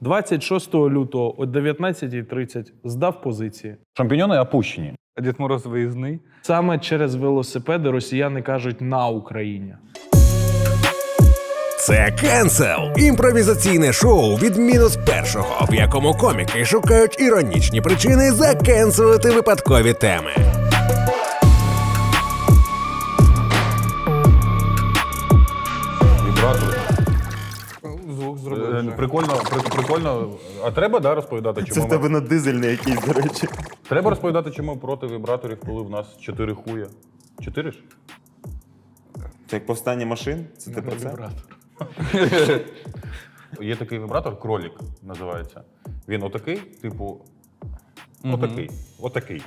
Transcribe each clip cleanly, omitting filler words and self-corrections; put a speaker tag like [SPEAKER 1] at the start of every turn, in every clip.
[SPEAKER 1] 26 лютого о 19:30 здав позиції.
[SPEAKER 2] Шампіньони опущені.
[SPEAKER 3] А Дід Мороз виїзний.
[SPEAKER 1] Саме через велосипеди росіяни кажуть «на Україні».
[SPEAKER 4] Це «Кенсел» – імпровізаційне шоу від мінус першого, в якому коміки шукають іронічні причини закенселити випадкові теми.
[SPEAKER 2] Вібратори.
[SPEAKER 3] Звук зробив вже.
[SPEAKER 2] Прикольно. А треба, розповідати,
[SPEAKER 5] Це
[SPEAKER 2] чому
[SPEAKER 5] в тебе на дизельний якийсь, до речі.
[SPEAKER 2] Треба розповідати, чому проти вібраторів, коли в нас 4 хуя. 4 ж?
[SPEAKER 5] Це як повстання машин? Це ти про це?
[SPEAKER 2] Є такий вібратор, кролік називається. Він отакий, типу. Отакий.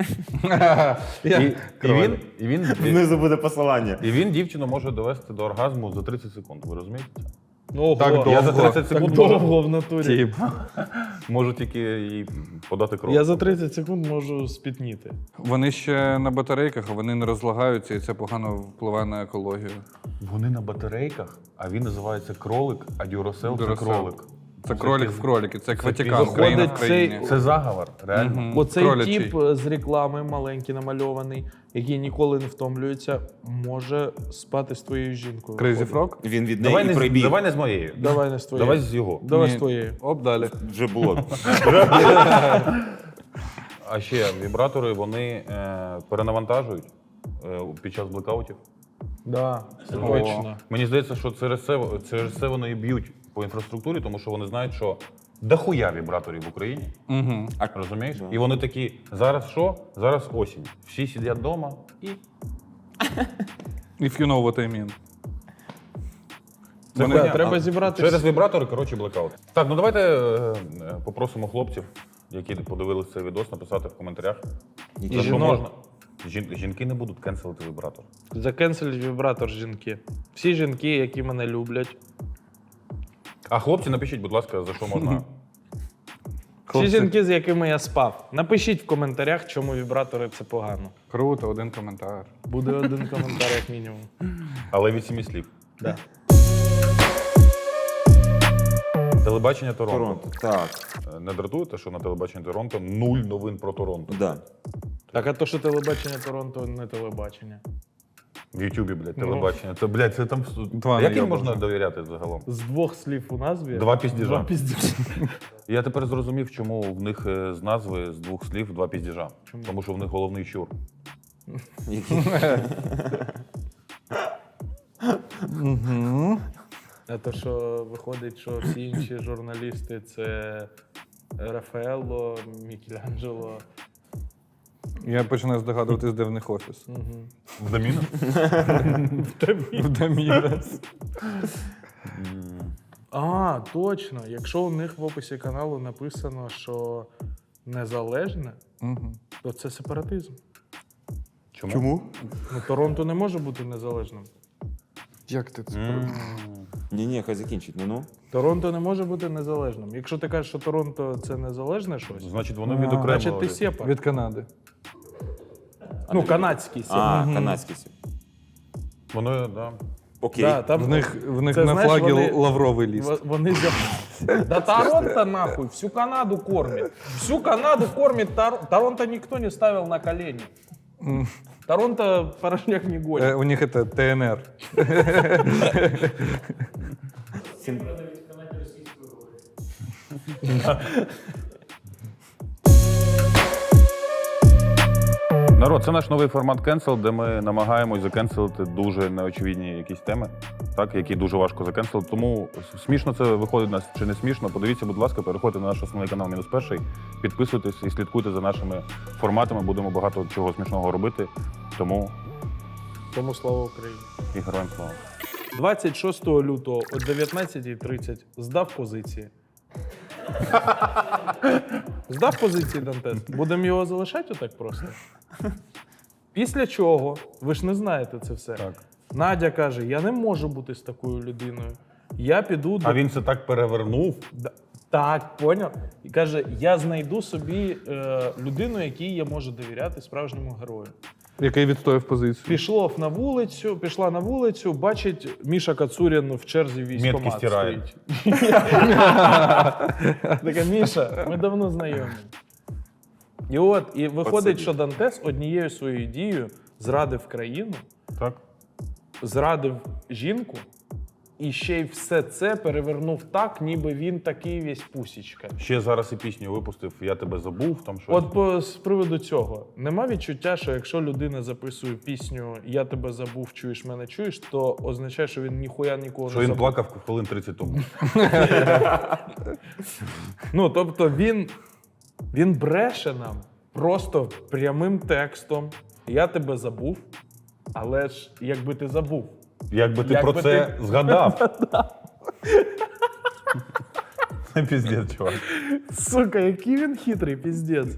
[SPEAKER 2] І
[SPEAKER 5] Внизу буде посилання.
[SPEAKER 2] він дівчину може довести до оргазму за 30 секунд. Ви розумієте це?
[SPEAKER 1] Ого,
[SPEAKER 3] Так
[SPEAKER 2] Я за 30
[SPEAKER 1] так
[SPEAKER 2] секунд
[SPEAKER 1] довго в натурі.
[SPEAKER 2] можу тільки їй подати кров.
[SPEAKER 1] Я за 30 секунд можу спітніти.
[SPEAKER 3] Вони ще на батарейках, а вони не розлагаються, і це погано впливає на екологію.
[SPEAKER 2] Вони на батарейках, а він називається кролик, а Дюрасел це
[SPEAKER 3] Duracell.
[SPEAKER 2] кролик.
[SPEAKER 3] Це кролик в кроліки, це Ватикан,
[SPEAKER 2] Виходить,
[SPEAKER 3] країна в
[SPEAKER 1] цей-
[SPEAKER 3] країні.
[SPEAKER 2] Це заговор, реально.
[SPEAKER 1] Оцей
[SPEAKER 3] кролячий.
[SPEAKER 1] тип з реклами, маленький, намальований, який ніколи не втомлюється, може спати з твоєю жінкою.
[SPEAKER 3] Crazy Frog?
[SPEAKER 5] Він від
[SPEAKER 2] Давай
[SPEAKER 5] неї прибіг.
[SPEAKER 2] давай не з моєю.
[SPEAKER 1] Давай не з твоєю.
[SPEAKER 2] Давай з його.
[SPEAKER 1] Давай
[SPEAKER 3] Ні.
[SPEAKER 1] з твоєю.
[SPEAKER 3] Оп, далі.
[SPEAKER 5] Вже було.
[SPEAKER 2] А ще вібратори, вони перенавантажують під час блекаутів.
[SPEAKER 1] Да, це точно.
[SPEAKER 2] Мені здається, що через це вони і б'ють по інфраструктурі, тому що вони знають, що дохуя вібраторів в Україні.
[SPEAKER 3] Угу.
[SPEAKER 2] Розумієш? І вони такі, зараз що? Зараз осінь. Всі сидять вдома і
[SPEAKER 3] If you know what I mean.
[SPEAKER 2] Це
[SPEAKER 1] Да,
[SPEAKER 2] хуйня.
[SPEAKER 1] треба зібрати
[SPEAKER 2] Через вібратори, коротше, блекаут. Так, ну давайте попросимо хлопців, які подивилися цей відос, написати в коментарях,
[SPEAKER 1] І
[SPEAKER 2] за що
[SPEAKER 1] жінок.
[SPEAKER 2] можна. Жінки не будуть кенселити вібратор.
[SPEAKER 1] Закенселіть вібратор жінки. Всі жінки, які мене люблять.
[SPEAKER 2] А хлопці, напишіть, будь ласка, за що можна.
[SPEAKER 1] Всі жінки, з якими я спав. Напишіть в коментарях, чому вібратори це погано.
[SPEAKER 3] Круто, один коментар.
[SPEAKER 1] Буде один коментар, як мінімум.
[SPEAKER 2] Але від 7 слів.
[SPEAKER 1] Да.
[SPEAKER 2] Телебачення Торонто.
[SPEAKER 5] Торонто. Так.
[SPEAKER 2] Не дратуєте, що на телебаченні Торонто 0 новин про Торонто?
[SPEAKER 5] Да.
[SPEAKER 1] Так, а то, що телебачення Торонто, не телебачення.
[SPEAKER 2] В Ютубі, блядь, телебачення. Це, блядь, це там...
[SPEAKER 3] Два
[SPEAKER 2] Як їм
[SPEAKER 3] найобажа.
[SPEAKER 2] можна довіряти загалом?
[SPEAKER 1] З двох слів у назві.
[SPEAKER 2] Два піздіжа.
[SPEAKER 1] Два піздіжа.
[SPEAKER 2] Я тепер зрозумів, чому в них з назви з 2 слів 2 піздіжа.
[SPEAKER 1] Чому?
[SPEAKER 2] Тому що в них головний щур.
[SPEAKER 1] А то, що виходить, що всі інші журналісти це Рафаелло, Мікеланджело.
[SPEAKER 3] Я починаю здогадуватись, де в них офіс.
[SPEAKER 2] В доміно?
[SPEAKER 3] В Дамірес.
[SPEAKER 1] А, точно. Якщо у них в описі каналу написано, що незалежне, то це сепаратизм.
[SPEAKER 2] Чому?
[SPEAKER 1] Ну, Торонто не може бути незалежним.
[SPEAKER 3] Як ти це?
[SPEAKER 5] Ні, хай закінчить. Ну.
[SPEAKER 1] Торонто не може бути незалежним. Якщо ти кажеш, що Торонто це незалежне щось,
[SPEAKER 2] Значить, вони
[SPEAKER 3] А,
[SPEAKER 2] відокремили.
[SPEAKER 1] значить ти сепар.
[SPEAKER 3] Від Канади.
[SPEAKER 1] Ну, канадський сепар.
[SPEAKER 5] А, канадський сім.
[SPEAKER 2] Воно, да.
[SPEAKER 5] Окей.
[SPEAKER 1] Да, там,
[SPEAKER 3] В них
[SPEAKER 1] це,
[SPEAKER 3] на
[SPEAKER 1] знаєш,
[SPEAKER 3] флагі
[SPEAKER 1] вони-
[SPEAKER 3] лавровий ліст.
[SPEAKER 1] Вони Да Торонто нахуй, всю Канаду кормит. Всю Канаду кормит Торонто никто не ставил на колени. Торонто порожняк не гонит.
[SPEAKER 3] У них це ТНР.
[SPEAKER 2] Народ, це наш новий формат Cancel, де ми намагаємось закенселити дуже неочевидні якісь теми, так, які дуже важко закенселити. Тому смішно це виходить нас чи не смішно. Подивіться, будь ласка, переходьте на наш основний канал «Мінус перший», підписуйтесь і слідкуйте за нашими форматами. Будемо багато чого смішного робити. Тому
[SPEAKER 1] Тому слава Україні.
[SPEAKER 2] і героям слава.
[SPEAKER 1] 26 лютого о 19:30 здав позиції. Здав позиції Дантес. Будемо його залишати отак просто? Після чого, ви ж не знаєте це все.
[SPEAKER 2] Так.
[SPEAKER 1] Надя каже, я не можу бути з такою людиною. Я піду до...
[SPEAKER 2] А він це так перевернув.
[SPEAKER 1] Так, поняв? І каже, я знайду собі людину, якій я можу довіряти, справжньому герою.
[SPEAKER 3] Який відстояв позицію.
[SPEAKER 1] Пішла на вулицю, бачить Міша Кацурін в черзі військкомат
[SPEAKER 2] Метки стирає.
[SPEAKER 1] стоїть. Така, Міша, ми давно знайомі. І виходить, що Дантес однією своєю дією зрадив країну,
[SPEAKER 2] Так?
[SPEAKER 1] зрадив жінку, і ще й все це перевернув так, ніби він такий весь пусічка.
[SPEAKER 2] Ще зараз і пісню випустив «Я тебе забув», там щось.
[SPEAKER 1] От з приводу цього, нема відчуття, що якщо людина записує пісню «Я тебе забув, чуєш мене, чуєш», то означає, що він ніхуя нікого
[SPEAKER 2] Що
[SPEAKER 1] не
[SPEAKER 2] він
[SPEAKER 1] забув.
[SPEAKER 2] плакав хвилин 30 тому.
[SPEAKER 1] Ну, тобто він бреше нам просто прямим текстом «Я тебе забув», але ж якби ти забув.
[SPEAKER 2] Якби ти
[SPEAKER 1] Якби
[SPEAKER 2] про це
[SPEAKER 1] ти-
[SPEAKER 2] згадав. Піздець, чувак.
[SPEAKER 1] Сука, який він хитрий, піздець.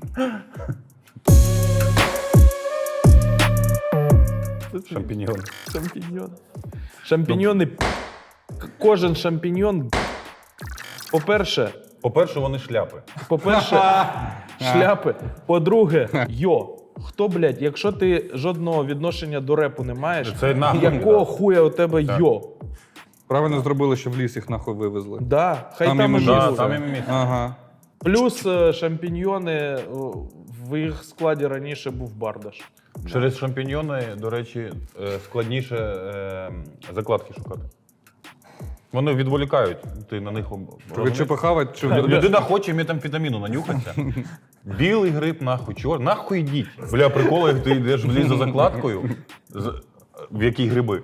[SPEAKER 2] Шампіньйон.
[SPEAKER 1] Шампіньйон. Шампіньйони. Кожен шампіньйон. По-перше,
[SPEAKER 2] Вони шляпи.
[SPEAKER 1] шляпи. По-друге, хто, блядь, якщо ти жодного відношення до репу не маєш,
[SPEAKER 2] Це нахуй,
[SPEAKER 1] якого
[SPEAKER 2] да.
[SPEAKER 1] хуя у тебе
[SPEAKER 3] Правильно зробили, що в ліс їх нахуй вивезли.
[SPEAKER 1] Да, хай
[SPEAKER 3] Там
[SPEAKER 1] там
[SPEAKER 3] їм
[SPEAKER 1] і
[SPEAKER 3] і
[SPEAKER 2] Да,
[SPEAKER 1] живуть.
[SPEAKER 2] там і міміт.
[SPEAKER 3] Ага.
[SPEAKER 1] Плюс шампіньйони, в їх складі раніше був Бардаш.
[SPEAKER 2] Через шампіньйони, до речі, складніше закладки шукати. Вони відволікають, ти на них
[SPEAKER 3] Ви чи похавать, чи
[SPEAKER 2] Людина хоче метамфетаміну нанюхатися. Білий гриб, нахуй, чорний. Нахуй йдіть. Бля, приколи, як ти йдеш в ліс за закладкою, в якій гриби.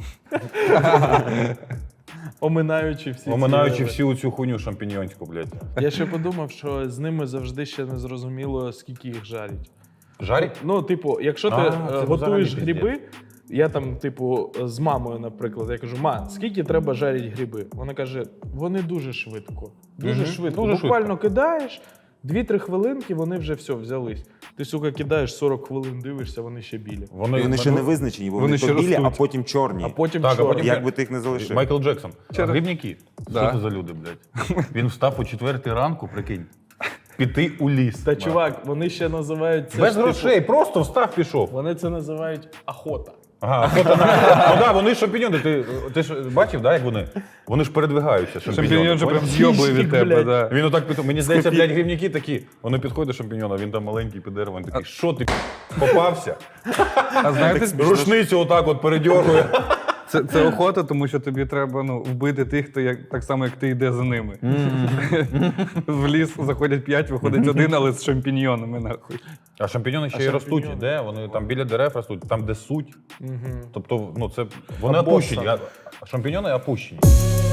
[SPEAKER 1] Оминаючи всі
[SPEAKER 2] Оминаючи
[SPEAKER 1] ці...
[SPEAKER 2] всю цю хуйню шампіньйонську, блядь.
[SPEAKER 1] Я ще подумав, що з ними завжди ще не зрозуміло, скільки їх жарять.
[SPEAKER 2] Жарять?
[SPEAKER 1] Ну, типу, якщо ти
[SPEAKER 2] це
[SPEAKER 1] готуєш
[SPEAKER 2] взагалі
[SPEAKER 1] гриби, я там, типу, з мамою, наприклад, я кажу: ма, скільки треба жарити гриби? Вона каже, вони дуже швидко. Дуже швидко.
[SPEAKER 2] Дуже
[SPEAKER 1] Буквально кидаєш, 2-3 хвилинки, вони вже все, взялись. Ти, сука, кидаєш 40 хвилин, дивишся, вони ще білі.
[SPEAKER 5] Вони ще не визначені, бо
[SPEAKER 3] Вони
[SPEAKER 5] вони
[SPEAKER 3] ще
[SPEAKER 5] то білі, а
[SPEAKER 3] ростуть.
[SPEAKER 5] потім чорні.
[SPEAKER 1] А потім
[SPEAKER 2] Так, а
[SPEAKER 1] чорні.
[SPEAKER 2] потім-
[SPEAKER 5] Як би ти їх не залишив.
[SPEAKER 2] Майкл Джексон. Грибники.
[SPEAKER 3] Да.
[SPEAKER 2] Що це за люди, блядь? Він встав о 4 ранку, прикинь, піти у ліс.
[SPEAKER 1] Та, чувак, вони ще називають це
[SPEAKER 2] Без
[SPEAKER 1] ж, типу,
[SPEAKER 2] грошей, просто встав, пішов.
[SPEAKER 1] вони це називають охота.
[SPEAKER 2] Ага, фото на... Ну да, вони шампіньони. Ти ж бачив, да, як вони? Вони ж передвигаються.
[SPEAKER 3] шампіньйон же прям з'йобує від
[SPEAKER 1] Хищник,
[SPEAKER 3] тебе,
[SPEAKER 1] блядь.
[SPEAKER 3] да.
[SPEAKER 2] Він отак під... Мені здається, блядь, грибники такі. Вони підходять до шампіньона, він там маленький підерва, він такий, що ти попався?
[SPEAKER 3] А знаєте,
[SPEAKER 2] Рушницю отак от передьоргує.
[SPEAKER 3] це охота, тому що тобі треба вбити тих, хто так само, як ти йде за ними. В ліс заходять 5, виходить 1, але з шампіньйонами, нахуй.
[SPEAKER 2] А шампіньони ще й ростуть. Де? Вони там біля дерев ростуть, там де суть. Тобто, ну це вони
[SPEAKER 1] Або
[SPEAKER 2] опущені.
[SPEAKER 1] сам.
[SPEAKER 2] А шампіньони опущені.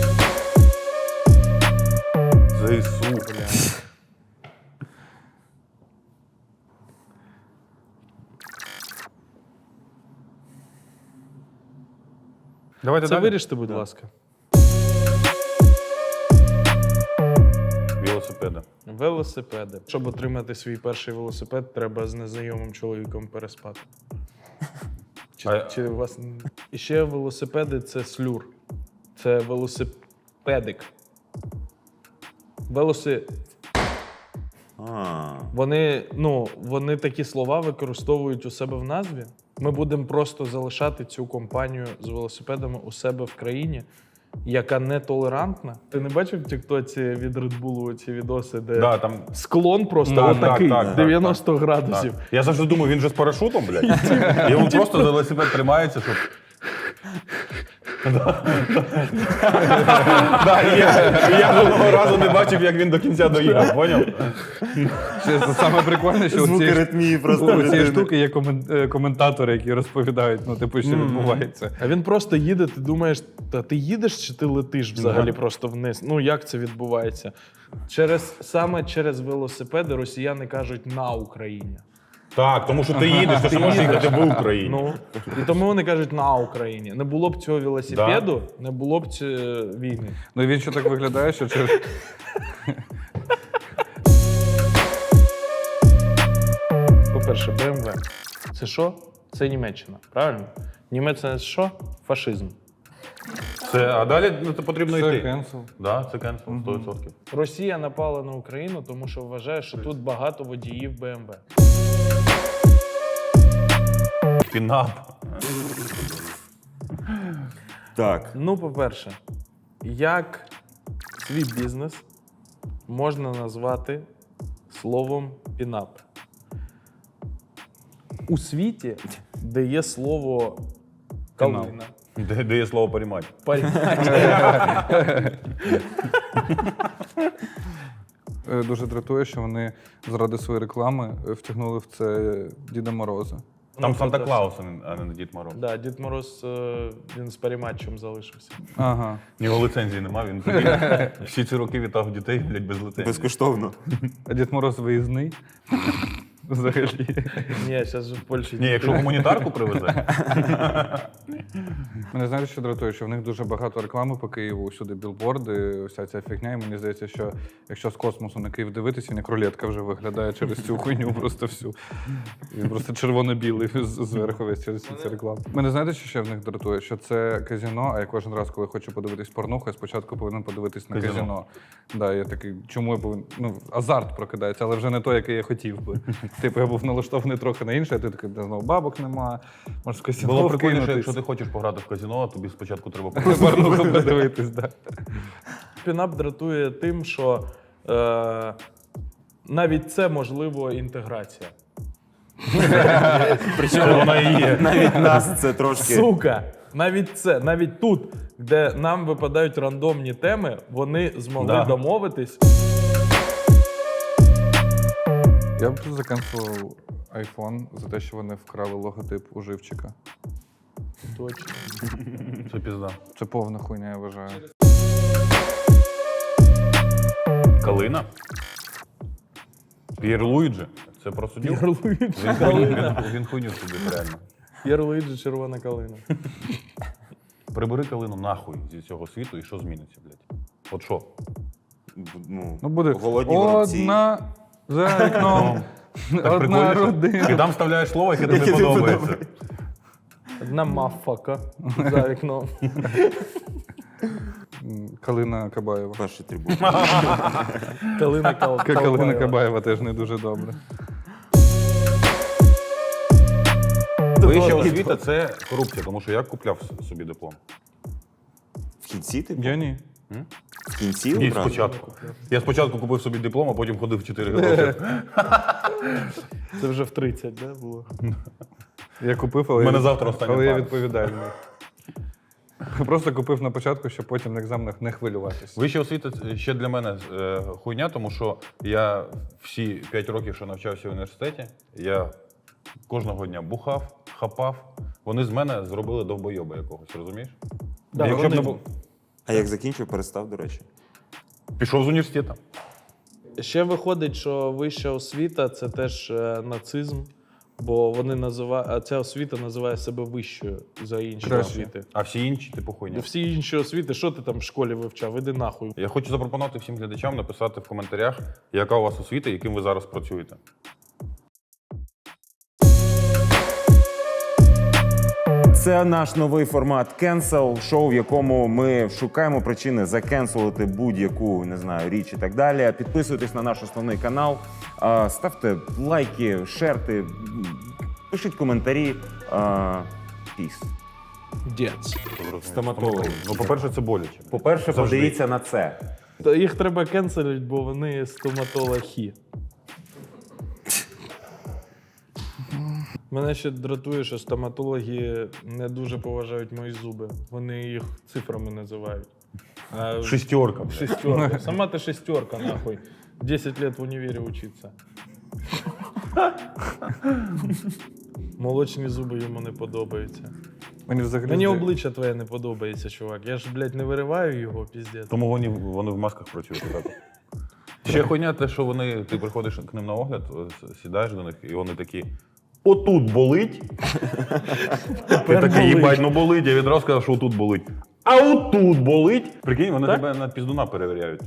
[SPEAKER 2] ЗСУ, бля. Давайте
[SPEAKER 1] Це
[SPEAKER 2] далі.
[SPEAKER 1] виріште, будь ласка.
[SPEAKER 2] Велосипеди.
[SPEAKER 1] Велосипеди. Щоб отримати свій перший велосипед, треба з незнайомим чоловіком переспати. Чи у вас... І ще велосипеди — це слюр. Це велосипедик.
[SPEAKER 5] А,
[SPEAKER 1] Вони такі слова використовують у себе в назві. Ми будемо просто залишати цю компанію з велосипедами у себе в країні, яка нетолерантна. Ти не бачив в Тіктоці від Red Bull ці відоси, де
[SPEAKER 2] Да, там...
[SPEAKER 1] склон просто
[SPEAKER 2] Так,
[SPEAKER 1] отакий,
[SPEAKER 2] так, так,
[SPEAKER 1] 90
[SPEAKER 2] так.
[SPEAKER 1] градусів.
[SPEAKER 2] Я завжди думаю, він же з парашутом, блядь. Йому просто за велосипед тримається, щоб... Я жодного разу не бачив, як він до кінця доїхав, поняв?
[SPEAKER 3] Ще це саме прикольне, що
[SPEAKER 5] звуки ритмії просто.
[SPEAKER 3] у цієї
[SPEAKER 5] людини.
[SPEAKER 3] штуки є коментатори, які розповідають, що відбувається.
[SPEAKER 1] А він просто їде, ти думаєш, та ти їдеш чи ти летиш взагалі просто вниз? Ну як це відбувається? Саме через велосипеди росіяни кажуть «на Україні».
[SPEAKER 2] Так, тому що ти їдеш, ти ж можеш їхати в Україні.
[SPEAKER 1] Ну, і тому вони кажуть «на Україні». Не було б цього велосипеду, не було б війни.
[SPEAKER 3] Ну і він ще так виглядає, що через...
[SPEAKER 1] По-перше, BMW. Це що? Це Німеччина, правильно? Німеччина це що? Фашизм.
[SPEAKER 2] А далі потрібно
[SPEAKER 3] Це
[SPEAKER 2] йти.
[SPEAKER 3] кенсел.
[SPEAKER 2] Да, це кенсел, 100%.
[SPEAKER 1] Росія напала на Україну, тому що вважає, що тут багато водіїв BMW.
[SPEAKER 2] Пінап.
[SPEAKER 5] Так.
[SPEAKER 1] Ну, по-перше, як свій бізнес можна назвати словом пінап? У світі, де є слово калина,
[SPEAKER 2] Де є слово порімать?
[SPEAKER 3] Дуже дратує, що вони заради своєї реклами втягнули в це Діда Мороза.
[SPEAKER 2] Там
[SPEAKER 1] Ну,
[SPEAKER 2] Санта
[SPEAKER 1] це
[SPEAKER 2] Клаус, а не Дід Мороз.
[SPEAKER 1] Да, Дід Мороз, він з паріматчем залишився.
[SPEAKER 3] Ага.
[SPEAKER 2] У нього ліцензії нема, він тоді всі ці роки вітав дітей, блядь, без ліцензії.
[SPEAKER 5] Безкоштовно.
[SPEAKER 3] А Дід Мороз виїзний. Взагалі.
[SPEAKER 1] Ні, зараз же в Польщі.
[SPEAKER 2] Ні, якщо гуманітарку привезе.
[SPEAKER 3] Мене знаєте, що дратує, що в них дуже багато реклами по Києву, усюди білборди, вся ця фігня. І мені здається, що якщо з космосу на Київ дивитися, він як рулетка вже виглядає через цю хуйню просто всю. Він просто червоно-білий зверху весь через всі ці реклами. Мене знаєте, що ще в них дратує? Що це казино, а я кожен раз, коли хочу подивитись порнуху, я спочатку повинен подивитись на казино. Да, я такий, чому я повинен. Ну, азарт прокидається, але вже не той, який я хотів би. Типу, я був налаштований трохи на інше, а ти такий, знову бабок нема, може в казино
[SPEAKER 2] Було прикольно, що
[SPEAKER 3] вкинутись.
[SPEAKER 2] якщо ти хочеш пограти в казино, тобі спочатку треба
[SPEAKER 3] Порнуху подивитись, так.
[SPEAKER 1] Пінап дратує тим, що навіть це можливо інтеграція.
[SPEAKER 2] Причому вона і є.
[SPEAKER 5] Навіть нас це трошки.
[SPEAKER 1] Сука! Навіть це, навіть тут, де нам випадають рандомні теми, вони змогли
[SPEAKER 2] Да.
[SPEAKER 1] домовитись.
[SPEAKER 3] Я б тут заканцелив iPhone за те, що вони вкрали логотип у живчика.
[SPEAKER 1] Точно.
[SPEAKER 2] Це пізда.
[SPEAKER 3] Це повна хуйня, я вважаю.
[SPEAKER 2] Калина? П'єр Луїджі? Це про суддю?
[SPEAKER 1] П'єр Луїджі
[SPEAKER 2] Він хуйню собі реально.
[SPEAKER 1] П'єр Луїджі червона калина.
[SPEAKER 2] Прибери калину нахуй зі цього світу і що зміниться, блядь? От що?
[SPEAKER 3] Ну буде
[SPEAKER 5] голодні воробці.
[SPEAKER 3] одна за вікном, одна
[SPEAKER 2] Прикольно, що
[SPEAKER 3] родина.
[SPEAKER 2] ти там вставляєш слово, яке тобі подобається.
[SPEAKER 1] Одна мафака за вікном.
[SPEAKER 3] Калина Кабаєва.
[SPEAKER 5] Перший трибун.
[SPEAKER 1] Калина
[SPEAKER 3] Калина
[SPEAKER 1] Калбаєва.
[SPEAKER 3] Кабаєва теж не дуже добре.
[SPEAKER 2] Вища освіта – це корупція, тому що я купляв собі диплом.
[SPEAKER 5] В кінці ти?
[SPEAKER 3] Я ні.
[SPEAKER 5] В кінці
[SPEAKER 2] Ні,
[SPEAKER 5] одразу?
[SPEAKER 2] спочатку. Я спочатку купив собі диплом, а потім ходив 4 роки.
[SPEAKER 1] Це вже в 30, да, було?
[SPEAKER 3] Я купив, але,
[SPEAKER 2] У мене завтра остання
[SPEAKER 3] але я
[SPEAKER 2] пара.
[SPEAKER 3] відповідальний. Просто купив на початку, щоб потім на екзаменах не хвилюватися.
[SPEAKER 2] Вища освіта ще для мене хуйня, тому що я всі 5 років, що навчався в університеті, я кожного дня бухав, хапав. Вони з мене зробили довбойоба якогось, розумієш?
[SPEAKER 1] Да,
[SPEAKER 2] Якщо б не
[SPEAKER 1] вони-
[SPEAKER 2] був,
[SPEAKER 5] А як закінчив, перестав, до речі.
[SPEAKER 2] пішов з університету.
[SPEAKER 1] Ще виходить, що вища освіта це теж нацизм, бо вони називають, ця освіта називає себе вищою за інші
[SPEAKER 3] Краще.
[SPEAKER 1] освіти.
[SPEAKER 2] А всі інші, типу, хуйня.
[SPEAKER 1] Всі інші освіти, що ти там в школі вивчав? Іди нахуй.
[SPEAKER 2] Я хочу запропонувати всім глядачам написати в коментарях, яка у вас освіта, яким ви зараз працюєте.
[SPEAKER 5] Це наш новий формат Cancel, шоу, в якому ми шукаємо причини закенселити будь-яку, не знаю, річ і так далі. Підписуйтесь на наш основний канал, ставте лайки, шерти, пишіть коментарі. Піс.
[SPEAKER 1] Дєць.
[SPEAKER 5] Стоматолог.
[SPEAKER 2] Ну, по-перше, це боляче.
[SPEAKER 5] По-перше,
[SPEAKER 2] Завжди.
[SPEAKER 5] подивіться на це.
[SPEAKER 1] Та їх треба кенселити, бо вони стоматологи. Мене ще дратує, що стоматологи не дуже поважають мої зуби. Вони їх цифрами називають. А
[SPEAKER 2] Шестерка. блядь.
[SPEAKER 1] шестерка. Сама ти шестерка, нахуй. 10 лет в універе учиться. Молочні зуби йому не подобаються.
[SPEAKER 3] Мені взагалі
[SPEAKER 1] Мені
[SPEAKER 3] здається-
[SPEAKER 1] обличчя твоє не подобається, чувак. Я ж, блядь, не вириваю його, піздець.
[SPEAKER 2] Тому вони в масках працюють. Так. Ще хуйня те, що ти приходиш к ним на огляд, сідаєш до них, і вони такі: отут болить. Ти такий, їбать, ну болить. Я відразу сказав, що отут болить. А отут болить. Прикинь, вони тебе на піздуна перевіряють.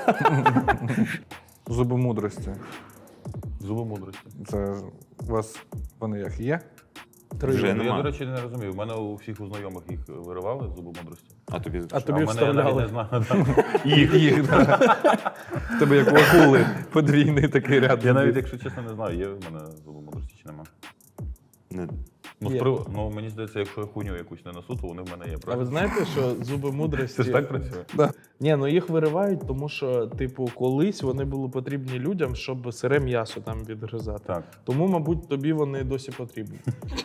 [SPEAKER 3] Зуби мудрості.
[SPEAKER 2] Зуби мудрості.
[SPEAKER 3] Це у вас вони як є?
[SPEAKER 5] Вже
[SPEAKER 2] Я,
[SPEAKER 5] нема.
[SPEAKER 2] до речі, не розумію. У мене у всіх у знайомих їх виривали, зуби мудрості.
[SPEAKER 5] А тобі
[SPEAKER 1] А тобі
[SPEAKER 2] в мене я навіть не
[SPEAKER 1] вставляли.
[SPEAKER 2] знаю. Їх.
[SPEAKER 3] В тебе як у акули подвійний такий ряд.
[SPEAKER 2] Я навіть, якщо чесно, не знаю, є в мене зуби мудрості чи нема.
[SPEAKER 1] Є.
[SPEAKER 2] Мені здається, якщо я хуйню якусь не несу, то вони в мене є.
[SPEAKER 1] А ви
[SPEAKER 2] Правильно?
[SPEAKER 1] знаєте, що зуби
[SPEAKER 2] Це
[SPEAKER 1] мудрості...
[SPEAKER 2] ж так працює?
[SPEAKER 1] Ні, ну їх виривають, тому що, типу, колись вони були потрібні людям, щоб сире м'ясо там відгризати.
[SPEAKER 2] Так.
[SPEAKER 1] Тому, мабуть, тобі вони досі потрібні.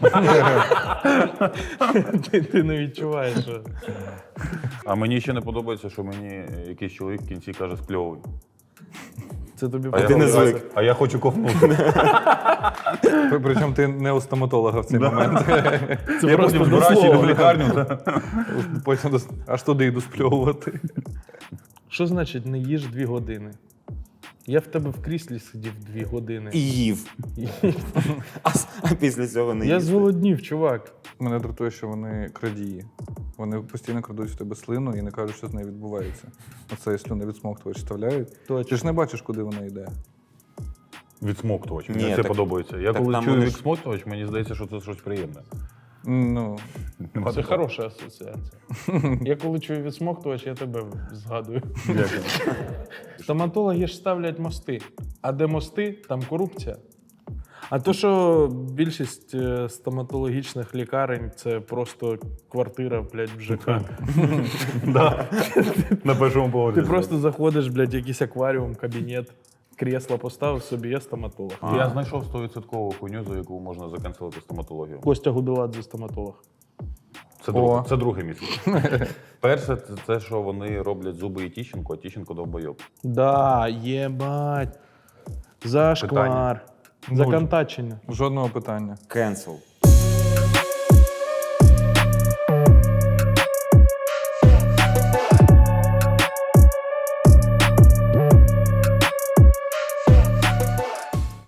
[SPEAKER 1] Ти не відчуваєш. Що...
[SPEAKER 2] А мені ще не подобається, що мені якийсь чоловік в кінці каже спльовуй.
[SPEAKER 1] Це тобі
[SPEAKER 2] А я
[SPEAKER 5] ти не
[SPEAKER 2] говорю,
[SPEAKER 5] звик.
[SPEAKER 2] А я хочу ковнути.
[SPEAKER 3] Причому ти не у стоматолога в цей момент.
[SPEAKER 1] Це
[SPEAKER 2] Я
[SPEAKER 1] просто
[SPEAKER 2] потім
[SPEAKER 1] до
[SPEAKER 2] збираюся,
[SPEAKER 1] слова.
[SPEAKER 2] йду в лікарню.
[SPEAKER 3] Потім аж туди йду спльовувати.
[SPEAKER 1] Що значить не їж 2 години? Я в тебе в кріслі сидів 2 години.
[SPEAKER 5] І їв. А після цього не
[SPEAKER 1] Я
[SPEAKER 5] їв.
[SPEAKER 1] зголоднів, чувак.
[SPEAKER 3] Мене дратує, що вони крадії. Вони постійно крадуть в тебе слину і не кажуть, що з нею відбувається. Оце слюни відсмоктувач вставляють.
[SPEAKER 1] Точно.
[SPEAKER 3] Ти ж не бачиш, куди вона йде.
[SPEAKER 2] Відсмоктувач.
[SPEAKER 5] Ні,
[SPEAKER 2] Мені це
[SPEAKER 5] так-
[SPEAKER 2] подобається. Я
[SPEAKER 5] так
[SPEAKER 2] коли
[SPEAKER 5] там
[SPEAKER 2] чую
[SPEAKER 5] вони ж-
[SPEAKER 2] відсмоктувач, мені здається, що це щось приємне.
[SPEAKER 3] Ну,
[SPEAKER 2] Нема
[SPEAKER 1] Це
[SPEAKER 2] такого?
[SPEAKER 1] хороша асоціація. Я коли чую відсмоктувач, я тебе згадую.
[SPEAKER 2] Дякую.
[SPEAKER 1] Стоматологи ж ставлять мости. А де мости, там корупція. А то, що більшість стоматологічних лікарень це просто квартира, блядь, в ЖК.
[SPEAKER 2] Да. На першому поверсі.
[SPEAKER 1] Ти просто заходиш, блядь, в якийсь акваріум, кабінет, кресло поставив собі, є стоматолог.
[SPEAKER 2] Я знайшов 100% хуйню, за яку можна закенселити стоматологію.
[SPEAKER 1] Костя Гуделадзе стоматолог.
[SPEAKER 2] Це друге місце. Перше, це те, що вони роблять зуби і Тіщенко, а Тіщенко довбойоб.
[SPEAKER 1] Да, єбать. Зашквар.
[SPEAKER 3] Нуль.
[SPEAKER 1] Законтачення.
[SPEAKER 3] жодного питання.
[SPEAKER 5] Cancel.